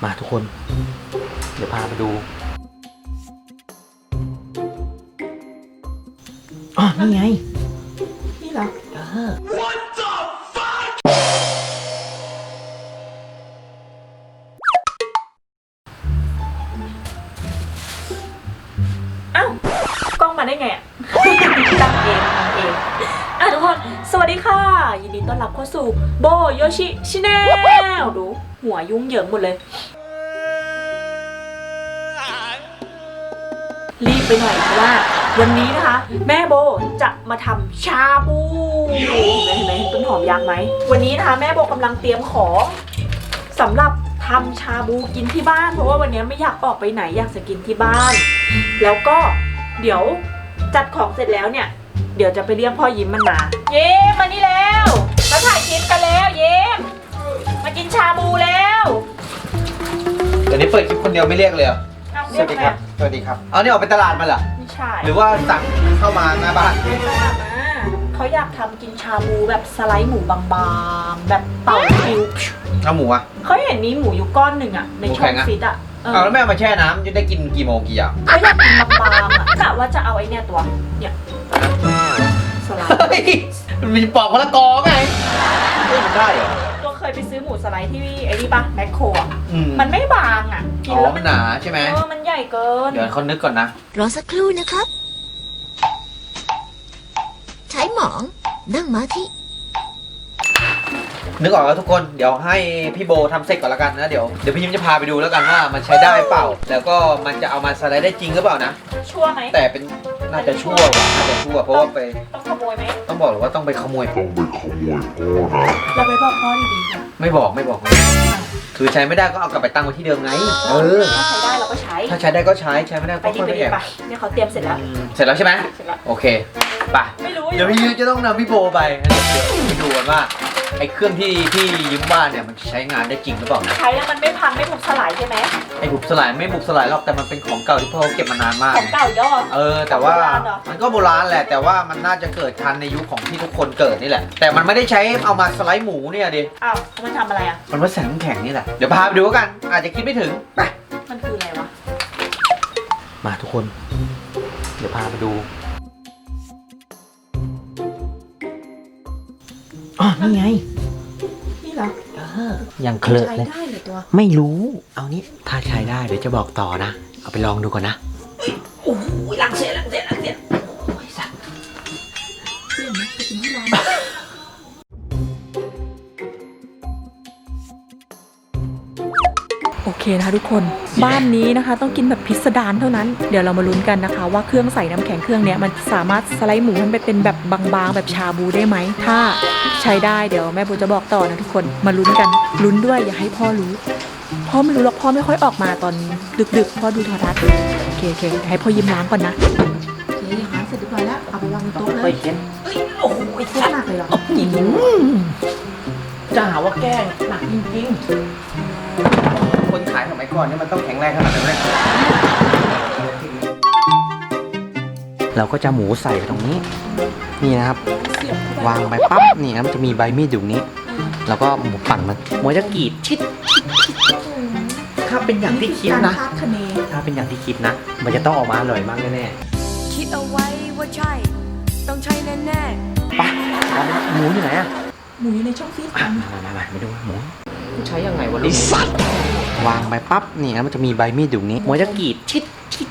มาทุกคนเดี๋ยวพาไปดูอ๋อนี่ไงนี่เหรอ What the fuck อ้าวกล้องมาได้ไงอ่ะตั้งเองทำเองทุกคนสวัสดีค่ะยินดีต้อนรับเข้าสู่โบโยชิชิแนลดูหัวยุ่งเหยิงหมดเลยรีบไปหน่อยเพราะว่าวันนี้นะคะแม่โบจะมาทำชาบูเห็นไหมต้นหอมยักษ์ไหมวันนี้นะคะแม่โบกำลังเตรียมของสำหรับทำชาบูกินที่บ้านเพราะว่าวันนี้ไม่อยากออกไปไหนอยากจะกินที่บ้านแล้วก็เดี๋ยวจัดของเสร็จแล้วเนี่ยเดี๋ยวจะไปเรียกพ่อยิ้มมันมาเย้มานี่แล้วมาถ่ายคลิปกันแล้วเย้มากินชาบูแล้วเดี๋ยวนี้เปิดคลิปคนเดียวไม่เรียกเลยเหรอสวัสดีครับสวัสดีครับเอานี่ออกไปตลาดมาเหรอไม่ใช่หรือว่าสั่งเข้ามาหน้าบ้านเขาอยากทำกินชาบูแบบสไลด์หมูบางๆแบบเป่าคิวเอาหมูอ่ะเขาเห็นมีหมูอยู่ก้อนหนึ่งอะในช่องฟิตอะเอาแล้วแม่เอามาแช่น้ำจะได้กินกี่โมงกี่อย่างเขาอยากกินบางๆอะกะว่าจะเอาไอ้เนี่ยตัวเนี่ยสไลด์มันมีปอกมะละกอไงมันได้เหรอตัวเคยไปซื้อหมูสไลด์ที่ไอ้นี่ปะแมคโครอะมัมันไม่บางอะกินแล้วมันหนาใช่ไหมมันใหญ่เกินเดี๋ยวเขานึกก่อนนะรอสักครู่นะครับใช้หมองนั่งมาที่นึกออกแล้วทุกคนเดี๋ยวให้พี่โบทำเสร็จก่อนละกันนะเดี๋ยวพี่ยิ้มจะพาไปดูแล้วกันว่ามันใช้ได้เปล่าแล้วก็มันจะเอามาสไลด์ได้จริงหรือเปล่านะชั่วไหมแต่เป็นน่าจะชั่วเพราะว่าไปต้องขโมยไหมต้องบอกเลยว่าต้องไปขโมยพ่อนะเราไปบอกพ่อดีๆไม่บอกคือใช้ไม่ได้ก็เอากลับไปตั้งไว้ที่เดิมไงถ้าใช้ได้เราก็ใช้ถ้าใช้ได้ก็ใช้ไม่ได้ก็ค่อยไปแอบเนี่ยเขาเตรียมเสร็จแล้วเสร็จแล้วใช่ไหมเสร็จแล้วโอเคไปเดี๋ยวพี่ยิ้มจะต้องนำพี่โบไปไปดูกันว่าไอ้เครื่องที่ยิ้มบ้านเนี่ยมันใช้งานได้จริงหรือเปล่าใช้แล้วมันไม่พังไม่บุบสลายใช่ไหมไอ้บุบสลายไม่บุบสลายหรอกแต่มันเป็นของเก่าที่พ่อเก็บมานานมากของเก่ายอดแต่ว่ามันก็โบราณแหละแต่ว่ามันน่าจะเกิดทันในยุคของที่ทุกคนเกิดนี่แหละแต่มันไม่ได้ใช้เอามาสไลด์หมูเนี่ยดิอ้าวมันทำอะไรอ่ะมันมาใส่น้ำแข็งนี่แหละเดี๋ยวพาไปดูกันอาจจะคิดไม่ถึงไปมันคืออะไรวะมาทุกคนเดี๋ยวพาไปดูอ๋อนี่ไงนี่เหรอยังเคลอะเลยใช้ได้เลยตัวไม่รู้เอานี้ถ้าใช้ได้เดี๋ยวจะบอกต่อนะเอาไปลองดูก่อนนะโอ้ยลังเสียโอ้ยสัตว์เปลี่ยนไหมไปกินที่ร้านโอเคนะคะทุกคนบ้านนี้นะคะต้องกินแบบพิสดารเท่านั้นเดี๋ยวเรามาลุ้นกันนะคะว่าเครื่องใส่น้ำแข็งเครื่องนี้มันสามารถสไลด์หมูมันไปเป็นแบบบางๆแบบชาบูได้ไหมถ้าใช้ได้เดี๋ยวแม่โบจะบอกต่อนะทุกคนมาลุ้นกันลุ้นด้วยอย่าให้พ่อรู้พ่อไม่รู้หรอกพ่อไม่ค่อยออกมาตอนดึกๆพ่อดูโทรทัศน์โอเคให้พ่อยิ้มล้างก่อนนะโอเคล้างเสร็จเรียบร้อยแล้วเอาไปวางบนโต๊ะเลยโอ้โหแค่หนักเลยเหรอจะหาว่าแกล้งหนักจริงๆคนขายสมัยก่อนนี่มันต้องแข็งแรงขนาดนั้นเลยเราก็จะหมูใส่ตรงนี้นี่นะครับวางไปปั๊บนี่นะมันจะมีใบมีดอยู่นี้แล้วก็หมูปั่นมันจะกรีดชิดถ้าเป็นอย่างที่คิดนะถ้าเป็นอย่างที่คิดนะมันจะต้องออกมาอร่อยมากแน่ๆคิดเอาไว้ว่าใช่ต้องใช่แน่ๆไปหมูอยู่ไหนอะหมูอยู่ในช่องฟิตมาดูหมูใช้ยังไงวะไอ้สัตว์วางไปปั๊บนี่นะมันจะมีใบมีดอยู่นี้มันจะกรีดชิด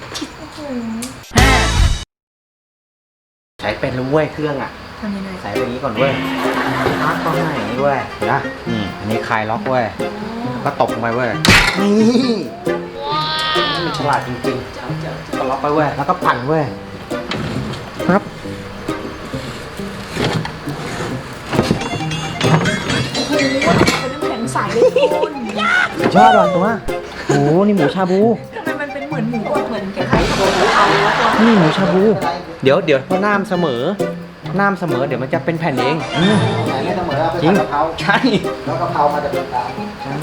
ใช้เป็นแล้วเว้ยเครื่องอ่ะทำยังไงใส่ไปอย่างนี้ก่อนเว้ยล็อกต้องอย่างนี้เว้ยนะนี่อันนี้คลายล็อกเว้ยก็ตบลงไปเว้ยนี่มันฉลาดจริงๆก็ล็อกไปเว้ยแล้วก็ปั่นเว้ยครับสายเลยคุณชอบหรอตัวโอ้นี่หมูชาบูทำไมมันเป็นเหมือนหมูเหมือนคล้ายๆตัวหมูเอาแล้วตัวนี่หมูชาบูเดี๋ยวพอน้ำเสมอเดี๋ยวมันจะเป็นแผ่นเองไม่เสมอจริงใช่แล้วกะเพรามาจากตา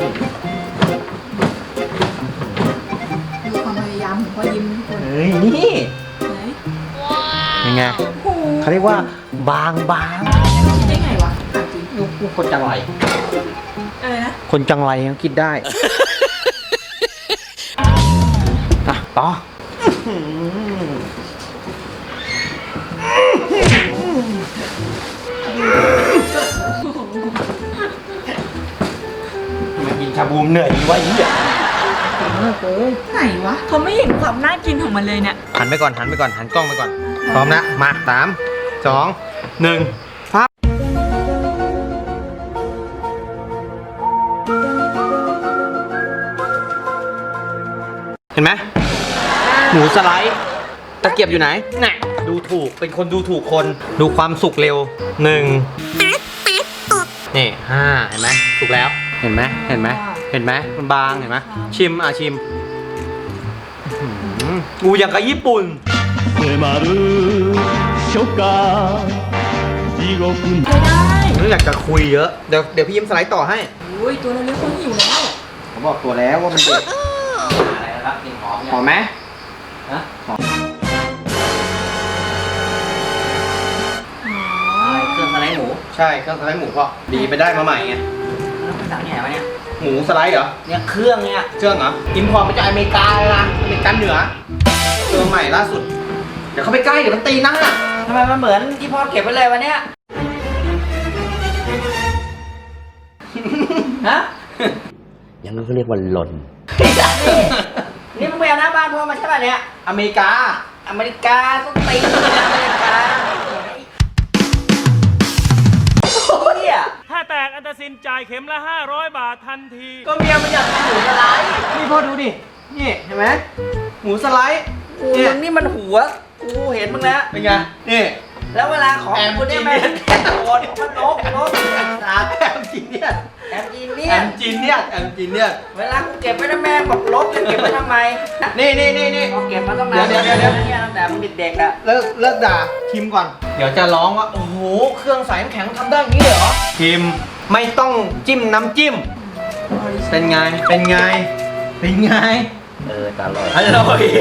ดูความพยายามของพ่อยิ้มทุกคนเฮ้ยนี่ยังไงเขาเรียกว่าบางได้ไงวะจริงคนจังไรอะไรนะคนจังไรยังคิดได้เหนื่อยวะเหี้ยไหนวะเขาไม่เห็นความน่ากินของมันเลยเนี่ยหันไปก่อนหันกล้องไปก่อน พร้อมนะ มา 3 2 1พับเห็นไหมหมูสไลด์ตะเกียบอยู่ไหนน่ะดูถูกเป็นคนดูถูกคนดูความสุกเร็ว1นี่5เห็นไหมสุกแล้วเห็นไหมมันบางเห็นไหมชิมชิมกูอย่างกับญี่ปุ่น迫る初夏地獄ไม่ได้ไม่อยากจะคุยเยอะเดี๋ยวพี่ยิ้มสไลด์ต่อให้อุ้ยตัวเราเล็กคนหิวแล้วผมบอกตัวแล้วว่ามันเด็ดอะไรนะครับกลิ่นหอมหอมไหมฮะหอมเครื่องสไลด์หมูใช่เครื่องสไลด์หมูพ่อดีไปได้มาใหม่ไงแล้วภาษาเนี่ยวะเนี่ยหมูสไลด์เหรอเนี่ยเครื่องเนี่ยเครื่องเหรออิมพอร์ตมาจากอเมริกาเลยนะอเมริกันเหนือตัวใหม่ล่าสุดเดี๋ยวเขาไปใกล้เดี๋ยวมันตีหน้าทำไมมันเหมือนที่พ่อเก็บไว้เลยวะเนี่ยฮะยังนั้นเขาเรียกว่าหล่นนี่มึงไปเอาหน้าบ้านพ่อมาใช่ป่ะเนี่ยอเมริกาต้องตีอเมริกาโอ้ยถ้าแตกอันตรสินจ่ายเข็มละ500 บาททันทีก็เมียมันอยากกินหมูสไลด์นี่พ่อดูดินี่เห็นไหมหมูสไลด์มึงนี่มันหัวกูเห็นมึงแล้วเป็นไงนี่แล้วเวลาของคุณเนี่ยแม่โดนมันนกแอมจีเนียสเวลากูเก็บไว้นะแม่บอกลบจะเก็บไว้ทำไมนี่เอาเก็บมาตั้งนานเดี๋ยวตั้งแต่มึงเด็กๆอะเลิกด่าชิมก่อนเดี๋ยวจะร้องว่าโอ้โหเครื่องใส่น้ำแข็งทำได้อย่างนี้เหรอชิมไม่ต้องจิ้มน้ำจิ้มเป็นไงอร่อย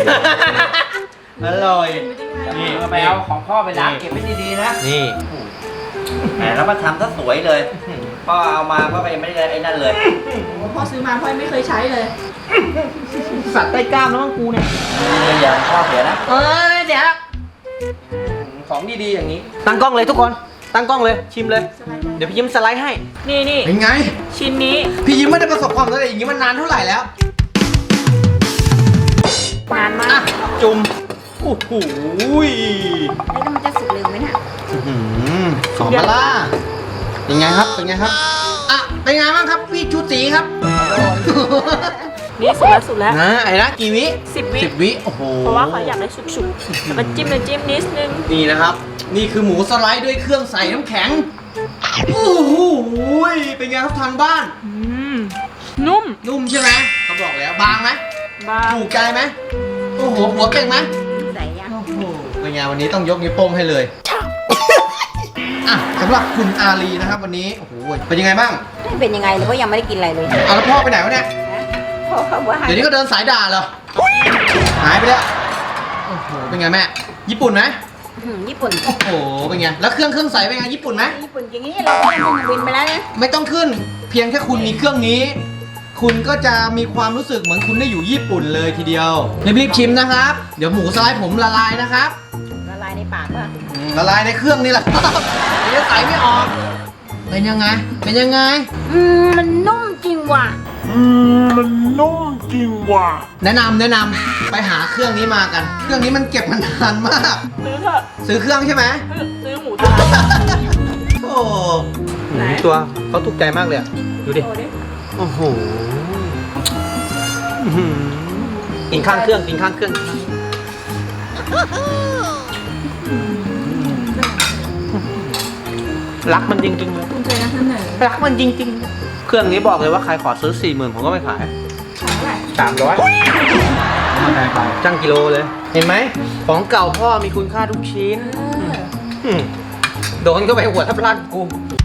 นี่ไปเอาของพ่อไปล้างเก็บไว้ดีๆนะนี่แหมแล้วมาทำซะสวยเลยพ่อเอามาพ่อไปยังไม่ได้ไอ้นั่นเลยพ่อซื้อมาพ่อไม่เคยใช้เลยสัตว์ใต้กล้ามแล้วมั้งกูเนี่ยอย่าพ่อเสียนะเดี๋ยวของดีๆอย่างนี้ตั้งกล้องเลยทุกคนตั้งกล้องเลยชิมเลยเดี๋ยวพี่ยิ้มสไลด์ให้นี่เป็นไงชิ้นนี้พี่ยิ้มไม่ได้ประสบความสำเร็จอย่างนี้มันนานเท่าไหร่แล้วนานมาอ่ะกจุ่มโอ้โหแล้วมันจะสุกเร็วไหมน่ะหอมมาล่าเป็นไงครับอ่ะเป็นไงบ้างครับพี่ชูตีครับนี่สุดแล้วนะไอ้นะกี่วิ 10 วิโอ้โหเพราะว่าเขาอยากได้สุกๆแล้วก็จิ้มนิดนึงนี่นะครับ นี่คือหมูสไลด์ด้วยเครื่องใส่น้ำแข็งโอ้โหเป็นไงครับทางบ้านนุ่มใช่ไหมเขาบอกแล้วบางไหมบางถูกใจไหมโอ้โหหัวเก่งไหมใส่ยังโอ้โหเป็นไงวันนี้ต้องยกนิ้วโป้งให้เลยอ่ะสำหรับคุณอารีนะครับวันนี้โอ้โหเป็นยังไงบ้างไม่เป็นยังไงเลยเพราะยังไม่ได้กินอะไรเลยเอาแล้วพ่อไปไหนวะเนี่ยเพราะเขาว่าเดี๋ยวนี้ก็เดินสายด่าเหรอหายไปแล้วโอ้โหเป็นไงแม่ญี่ปุ่นไหมญี่ปุ่นโอ้โหเป็นไงแล้วเครื่องใส่เป็นไงญี่ปุ่นไหมญี่ปุ่นอย่างนี้เราก็ยังบินไปแล้วนะไม่ต้องขึ้น เพียงแค่คุณมีเครื่องนี้ คุณก็จะมีความรู้สึกเหมือนคุณได้อยู่ญี่ปุ่นเลยทีเดียวรีบๆชิมนะครับเดี๋ยวหมูสไลด์ผมละลายนะครับละลายในปากป่ะละลายในเครื่องนี่แหละ เดี๋ยวใส่ไม่ออกเป็นยังไงมันนุ่มจริงว่ะแนะนำไปหาเครื่องนี้มากัน เครื่องนี้มันเก็บมานานมากซื้อเถอะซื้อเครื่องใช่ไหมซื้อหมูตัวโอ้หมูตัวเขาถูกใจมากเลยอะดูดิ โอ้โหอื้อหือกินข้างเครื่องรักมันจริงๆเลยคุณเคยนำเสนอรักมันจริงๆ เครื่องนี้บอกเลยว่าใครขอซื้อ 40,000ผมก็ไม่ขายขายเท่าไหร่ 300จ้างกิโลเลย เห็นไหมของเก่าพ่อมีคุณค่าทุกชิ้นโดนก็ไปหัวทับลันกู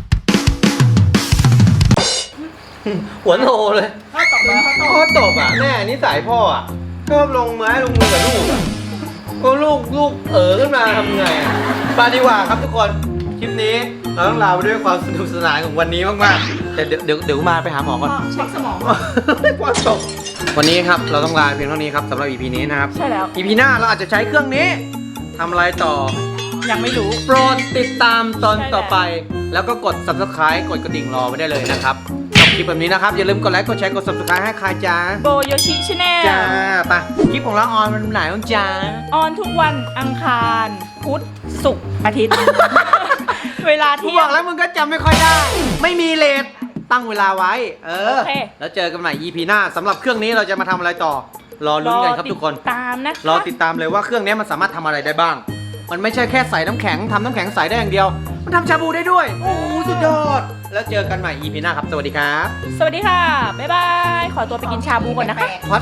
หัวโนเลยข้าวตอกมาข้าวตอกพ่อตบอ่ะแม่นิสัยพ่ออ่ะชอบลงไม้ลงมือกับลูกอ่ะก็ลูกขึ้นมาทำไงอ่ะไปดีกว่าครับทุกคนคลิปนี้เราต้องลาไปด้วยความสนุกสนานของวันนี้มากๆแต่เดี๋ยวมาไปหาหมอก่อนเช็คสมองความตกวันนี้ครับเราต้องลาเพียงเท่านี้ครับสำหรับ EP นี้นะครับใช่แล้ว EP หน้าเราอาจจะใช้เครื่องนี้ทำอะไรต่อยังไม่รู้โปรดติดตามตอนต่อไป แล้วก็กด subscribe กดกระดิ่งรอไว้ได้เลยนะครับ ขอบคลิปแบบนี้นะครับ อย่าลืมกดไลค์กดแชร์กด subscribe ให้ใครจ้าโบโยชิชาแนลจ้าไปคลิปของเราออนวันไหนบ้างจ้าออนทุกวันอังคารพุธศุกร์อาทิตย์ เวลากูเที่บยอง กแล้วมึงก็จำไม่ค่อยได้ ไม่มีเลทตั้งเวลาไว้โอเคแล้วเจอกันใหม่ EP หน้าสำหรับเครื่องนี้เราจะมาทำอะไรต่อ รอลุ้นกันครับทุกคนตามนะรอติดตามเลยว่าเครื่องนี้มันสามารถทำอะไรได้บ้าง มันไม่ใช่แค่ใส่น้ำแข็งทำน้ำแข็งใส่ได้อย่างเดียว มันทำชาบูได้ด้วย โอ้โหสุดยอด แล้วเจอกันใหม่ EP หน้าครับ สวัสดีครับสวัสดีค่ะ บ๊ายบาย ขอตัวไปกินชาบูก่อนนะคะพัด